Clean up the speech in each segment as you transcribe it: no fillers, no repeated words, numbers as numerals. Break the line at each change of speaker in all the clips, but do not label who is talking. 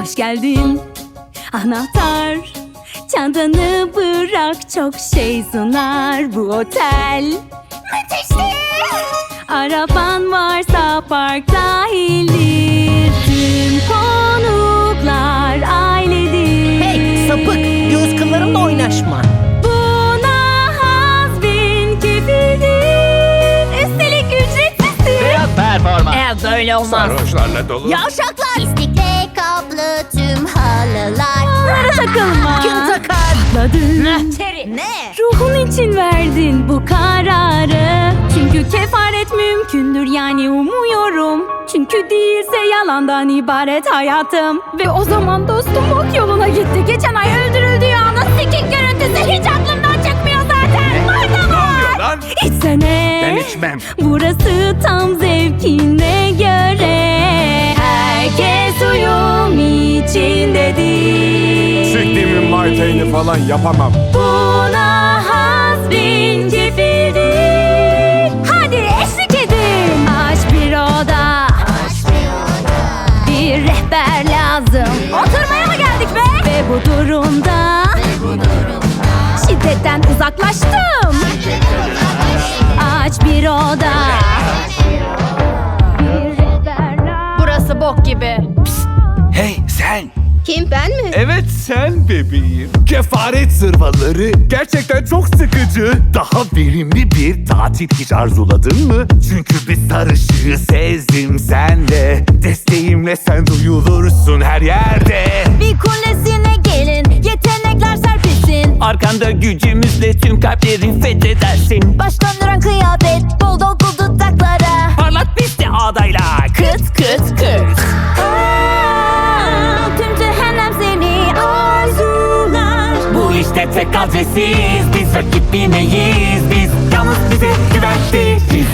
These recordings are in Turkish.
Hoş geldin anahtar, çantanı bırak, çok şey sunar bu otel.
Müthişti.
Araban varsa park dahildir, tüm konuklar ailedir.
Hey sapık, göz kıllarımla oynaşma.
Buna hazbin kefildir, üstelik ücretsizdir.
Biraz performans.
Böyle olmaz.
Sarhoşlarla dolu.
Yavşaklar.
İstikle kaplı tüm halılar.
Onlara takılma.
Kim takar?
Atladın.
Terry. Ne?
Ruhun için verdin bu kararı. Çünkü kefaret mümkündür, yani umuyorum. Çünkü değilse yalandan ibaret hayatım. Ve o zaman dostum ok yoluna gitti. Geçen ay öldürüldüğü anın sikik görüntüsü hiç aklımdan çıkmıyor zaten. Orada
Ne
var.
oluyor lan?
İçsene.
Ben içmem.
Burası tam zevkine göre. Herkes uyum içindedir.
Siktiğimin marteyini falan yapamam.
Buna hazbin kefildir. Hadi eşlik edin. Aç bir oda, bir rehber lazım. Oturmaya mı geldik be? Ve bu durumda şiddetten uzaklaştım. Aç bir oda, bir rehber lazım.
Burası bok gibi.
Hey sen.
Kim, ben mi?
Evet sen bebeğim. Kefaret zırvaları gerçekten çok sıkıcı. Daha verimli bir tatil hiç arzuladın mı? Çünkü bir sarışığı sezdim sende. Desteğimle sen duyulursun her yerde.
Bir kulesine gelin, yetenekler serpilsin.
Arkanda gücümüzle tüm kalpleri fethedersin.
Baş döndüren kıyafet, bol dolgu dudaklara.
Parlat bizi adayla. Kıt kıt kıt.
Tüm cehennem seni arzular.
Bu işte tek adresiz. Biz rakip bilmeyiz. Biz yalnız bize güvendiğiz.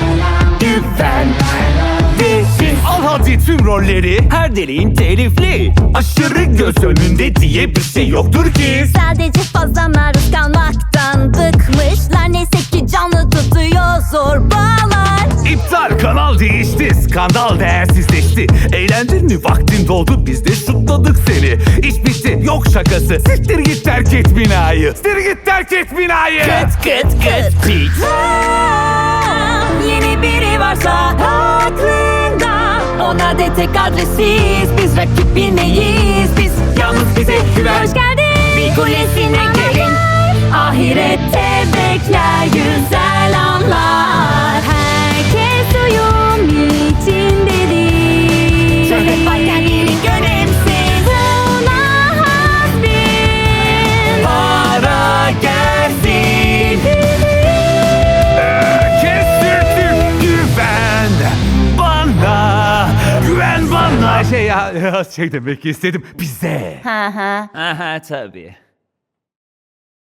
Al hadi tüm rolleri. Her deliğin telifli. Aşırı göz önünde diye bir şey yoktur ki.
Sadece fazla maruz kalmaktan bıkmışlar. Neyse ki canlı tutuyor zorbalar.
İptal, kanal değişti, skandal değersizleşti. Eğlendin mi, vaktin doldu, biz de şutladık seni. İş bitti, yok şakası. Siktir git, terk et binayı. Siktir git, terk et binayı.
Kıt kıt kıt beat.
Yeni biri varsa aklında, ona de tek adresiz. Biz rakip bilmeyiz, biz
Yalnız bize güven.
hoş geldin. Bir kulesine gelin, ahirette bekler güzel anlar. Herkes uyum içindedir.
Şöhret varken yerin önemsiz.
Buna hazbin
Para gelsin.
Kestirdim, güven bana. Güven bana. Şey demek istedim, bize.
Aha tabii.